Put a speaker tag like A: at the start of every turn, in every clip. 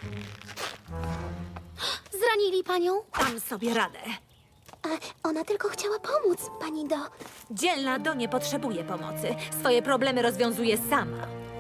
A: Zranili panią?
B: Dam sobie radę.
A: Ona tylko chciała pomóc, pani Do.
B: Dzielna Do nie potrzebuje pomocy. Swoje problemy rozwiązuje sama.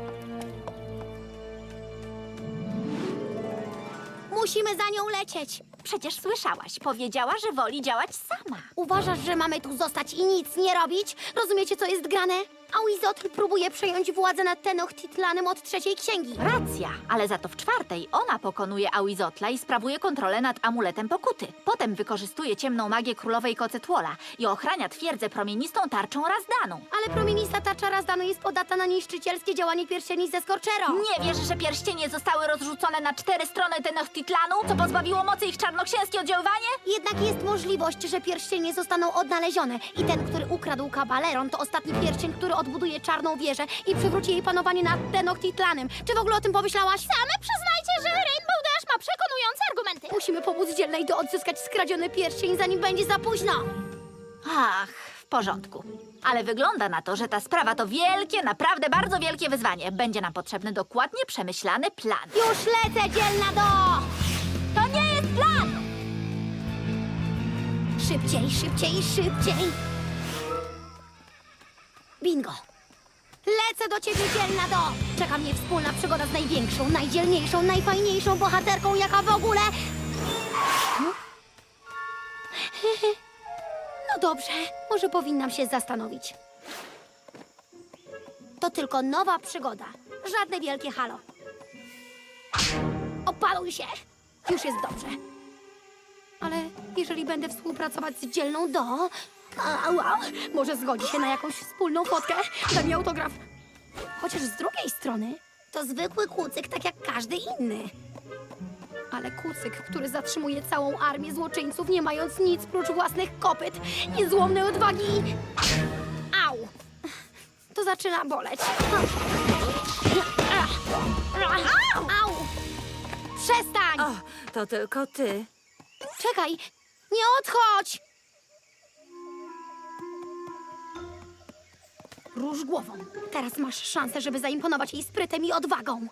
A: Musimy za nią lecieć.
C: Przecież słyszałaś, powiedziała, że woli działać sama.
A: Uważasz, że mamy tu zostać i nic nie robić? Rozumiecie, co jest grane? Auizotl próbuje przejąć władzę nad Tenochtitlanem od trzeciej księgi.
C: Racja, ale za to w czwartej ona pokonuje Auizotla i sprawuje kontrolę nad amuletem pokuty. Potem wykorzystuje ciemną magię królowej Kocetłola i ochrania twierdzę promienistą tarczą Razdaną.
A: Ale promienista tarcza Razdanu jest podatna na niszczycielskie działanie pierścieni ze Skorczero.
C: Nie wiesz, że pierścienie zostały rozrzucone na 4 strony Tenochtitlanu, co pozbawiło mocy ich czarnoksięskie oddziaływanie?
A: Jednak jest możliwość, że pierścienie zostaną odnalezione i ten, który ukradł Kabaleron, to ostatni pierścień, który odbuduje czarną wieżę i przywróci jej panowanie nad Tenochtitlanem. Czy w ogóle o tym pomyślałaś? Same przyznajcie, że Rainbow Dash ma przekonujące argumenty. Musimy pomóc Dzielnej Do odzyskać skradziony pierścień, zanim będzie za późno.
C: Ach, w porządku. Ale wygląda na to, że ta sprawa to wielkie, naprawdę bardzo wielkie wyzwanie. Będzie nam potrzebny dokładnie przemyślany plan.
A: Już lecę, Dzielna Do!
C: To nie jest plan!
A: Szybciej, szybciej, szybciej! Bingo! Lecę do ciebie, Dzielna Do! Czeka mnie wspólna przygoda z największą, najdzielniejszą, najfajniejszą bohaterką, jaka w ogóle... No dobrze, może powinnam się zastanowić. To tylko nowa przygoda. Żadne wielkie halo. Opaluj się! Już jest dobrze. Ale jeżeli będę współpracować z Dzielną Do... może zgodzi się na jakąś wspólną fotkę? Da mi autograf. Chociaż z drugiej strony to zwykły kucyk, tak jak każdy inny. Ale kucyk, który zatrzymuje całą armię złoczyńców, nie mając nic prócz własnych kopyt, niezłomnej odwagi. Au! To zaczyna boleć. Au! Przestań!
B: O, to tylko ty.
A: Czekaj! Nie odchodź! Róż głową. Teraz masz szansę, żeby zaimponować jej sprytem i odwagą.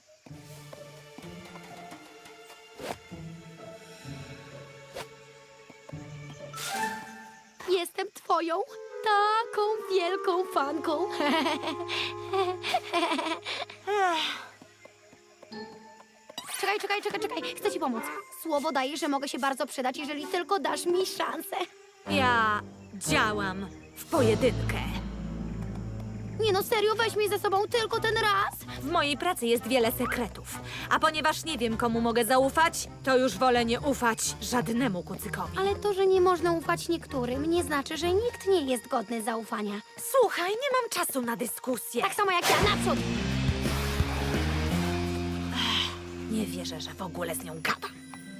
A: Jestem twoją taką wielką fanką. Czekaj. Chcę ci pomóc. Słowo daję, że mogę się bardzo przydać, jeżeli tylko dasz mi szansę.
B: Ja działam w pojedynkę.
A: Nie no, serio, weź mnie ze sobą tylko ten raz.
B: W mojej pracy jest wiele sekretów. A ponieważ nie wiem, komu mogę zaufać, to już wolę nie ufać żadnemu kucykowi.
A: Ale to, że nie można ufać niektórym, nie znaczy, że nikt nie jest godny zaufania.
B: Słuchaj, nie mam czasu na dyskusję.
A: Tak samo jak ja, naprzód!
B: Nie wierzę, że w ogóle z nią gadam.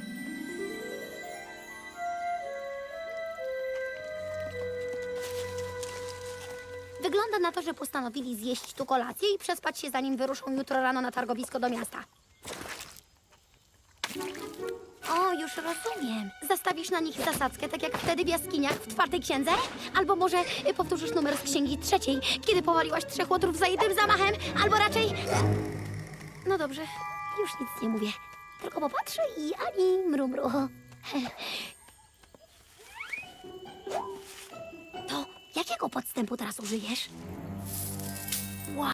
A: Wygląda na to, że postanowili zjeść tu kolację i przespać się, zanim wyruszą jutro rano na targowisko do miasta. O, już rozumiem. Zastawisz na nich zasadzkę, tak jak wtedy w jaskiniach w czwartej księdze? Albo może powtórzysz numer z księgi trzeciej, kiedy powaliłaś 3 łotrów za jednym zamachem? Albo raczej... No dobrze, już nic nie mówię. Tylko popatrzę i ani mrumru. To jakiego podstępu teraz użyjesz?